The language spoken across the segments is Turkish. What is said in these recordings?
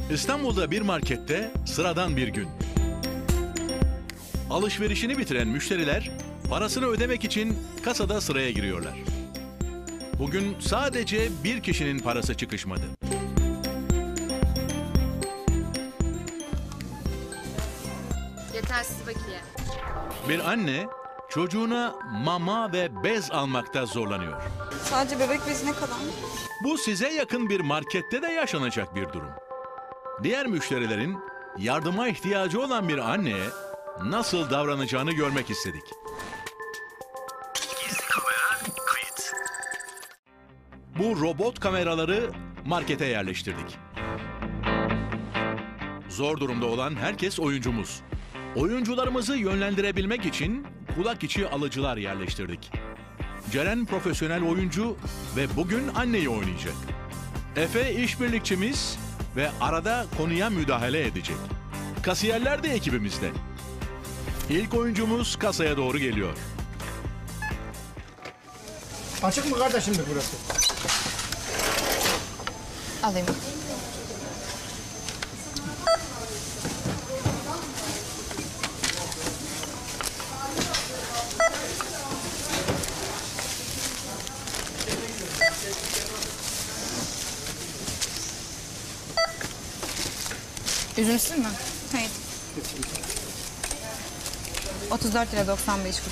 İstanbul'da bir markette sıradan bir gün. Alışverişini bitiren müşteriler parasını ödemek için kasada sıraya giriyorlar. Bugün sadece bir kişinin parası çıkışmadı. Yetersiz bakiye. Bir anne çocuğuna mama ve bez almakta zorlanıyor. Sadece bebek bezi ne kadar? Bu size yakın bir markette de yaşanacak bir durum. Diğer müşterilerin yardıma ihtiyacı olan bir anneye nasıl davranacağını görmek istedik. Bu robot kameraları markete yerleştirdik. Zor durumda olan herkes oyuncumuz. Oyuncularımızı yönlendirebilmek için kulak içi alıcılar yerleştirdik. Ceren profesyonel oyuncu ve bugün anneyi oynayacak. Efe işbirlikçimiz ve arada konuya müdahale edecek. Kasiyerler de ekibimizde. İlk oyuncumuz kasaya doğru geliyor. Açık mı kardeşim burası? Alayım. Üzümsüz mü? Hayır. 34 lira 95 kuruş.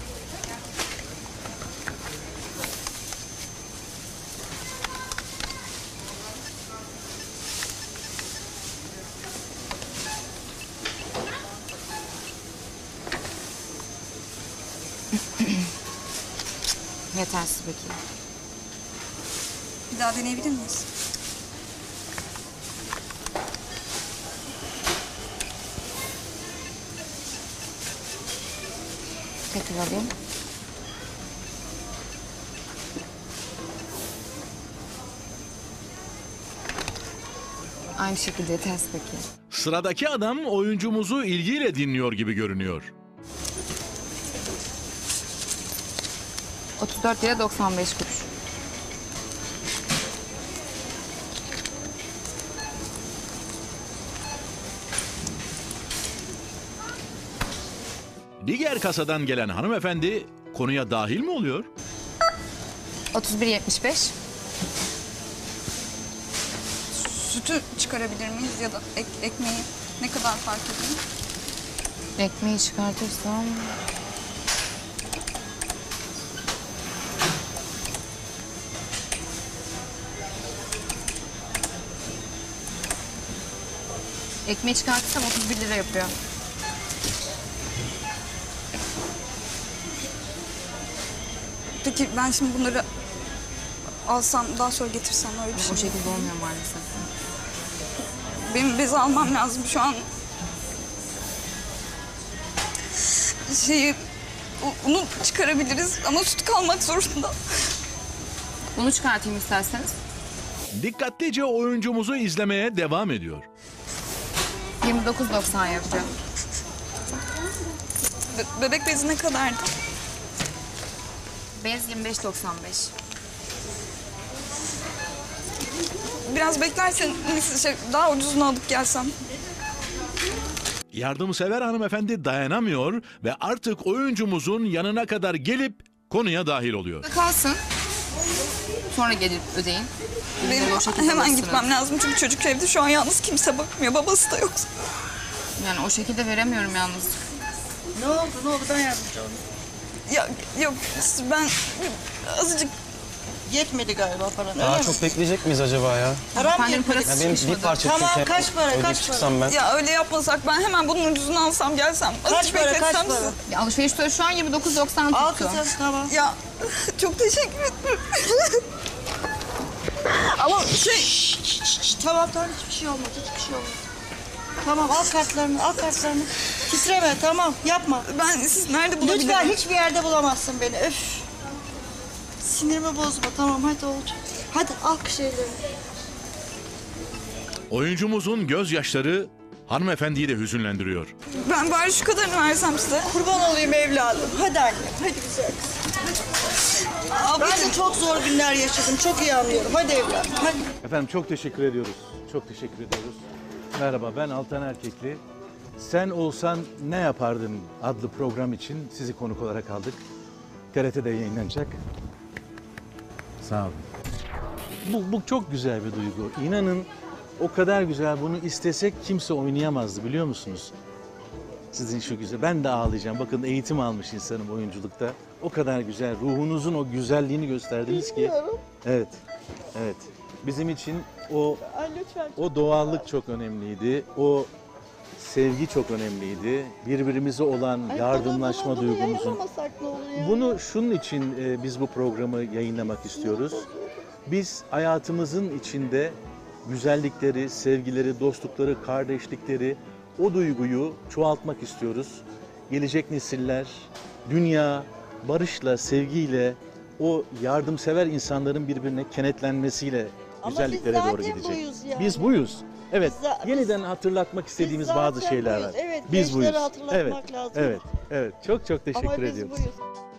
Yetersiz bakiye. Bir daha deneyebilir miyiz? Tekrar alayım. Aynı şekilde yetersiz bakiye. Sıradaki adam oyuncumuzu ilgiyle dinliyor gibi görünüyor. 34 lira 95 kuruş. Diğer kasadan gelen hanımefendi konuya dahil mi oluyor? 31.75. Sütü çıkarabilir miyiz ya da ekmeği ne kadar fark ediyor? Ekmeği çıkartırsam... Ekmeği çıkartırsam 31 lira yapıyor. Peki ben şimdi bunları alsam daha sonra getirsem öyle bir şey. O şekilde olmuyor maalesef. Benim bezi almam lazım şu an. Unu çıkarabiliriz ama süt kalmak zorunda. Bunu çıkartayım isterseniz. Dikkatlice oyuncumuzu izlemeye devam ediyor. 29.90 yapacağım. Bebek bezi ne kadardı? Bez 25.95. Biraz beklersen daha ucuzunu alıp gelsem. Yardımsever hanımefendi dayanamıyor ve artık oyuncumuzun yanına kadar gelip konuya dahil oluyor. Kalsın. Sonra gelip ödeyin. Benim O şekilde hemen alırsınız. gitmem lazım çünkü çocuk evde şu an yalnız, kimse bakmıyor, babası da yok. Yani o şekilde veremiyorum yalnız. Ne oldu ben yardımcı olayım. Ya yok ben azıcık Yetmedi galiba paran. Daha çok bekleyecek miyiz acaba ya? Param Efendim yetmedi. Ya parası benim çıkışmadı. bir parça Tamam, çünkü kaç para, ödeyip kaç para? çıksam ben. ya öyle yapmasak ben hemen bunun ucuzunu alsam gelsem. Kaç Azıcık para, kaç bekletsem para? sizi. Ya alışveriş tutarı şu an 29.90 Al tuttu. kızım, tamam. Ya çok teşekkür ederim. Ama Tamam, hiçbir şey olmaz, hiçbir şey olmaz. Tamam, al kartlarını, al kartlarını. Titreme, tamam, yapma. ben siz nerede bulabilirim? Lütfen hiçbir yerde bulamazsın beni, öf. Sinirimi bozma, tamam, hadi olacak. Hadi al şeyleri. Oyuncumuzun gözyaşları hanımefendiyi de hüzünlendiriyor. Ben bari şu kadarını versem size. Kurban olayım evladım. Hadi anne, hadi güzel kızım. Ablacığım çok zor günler yaşadım. Çok iyi anlıyorum. Hadi evladım, hadi. Efendim çok teşekkür ediyoruz. Çok teşekkür ediyoruz. Merhaba, ben Altan Erkekli. Sen Olsan Ne Yapardın adlı program için sizi konuk olarak aldık. TRT'de yayınlanacak. Sağ olun. Bu çok güzel bir duygu. İnanın o kadar güzel, bunu istesek kimse oynayamazdı, biliyor musunuz? Sizin şu güzel. Ben de ağlayacağım. Bakın, eğitim almış insanım oyunculukta. O kadar güzel. Ruhunuzun o güzelliğini gösterdiniz ki. Evet. Evet. Bizim için o doğallık çok önemliydi. O sevgi çok önemliydi. Birbirimize olan yardımlaşma duygumuzun. Bunu şunun için biz bu programı yayınlamak istiyoruz. Biz hayatımızın içinde güzellikleri, sevgileri, dostlukları, kardeşlikleri, o duyguyu çoğaltmak istiyoruz. Gelecek nesiller, dünya barışla, sevgiyle, o yardımsever insanların birbirine kenetlenmesiyle Ama güzelliklere biz doğru zaten gidecek. buyuz yani. Biz buyuz. Evet. Biz Yeniden hatırlatmak istediğimiz Biz bazı zaten şeyler buyuz. var. Evet, Biz gençlere buyuz. hatırlatmak Evet. lazım. Evet. Evet. Çok çok teşekkür Ama biz ediyoruz. buyuz.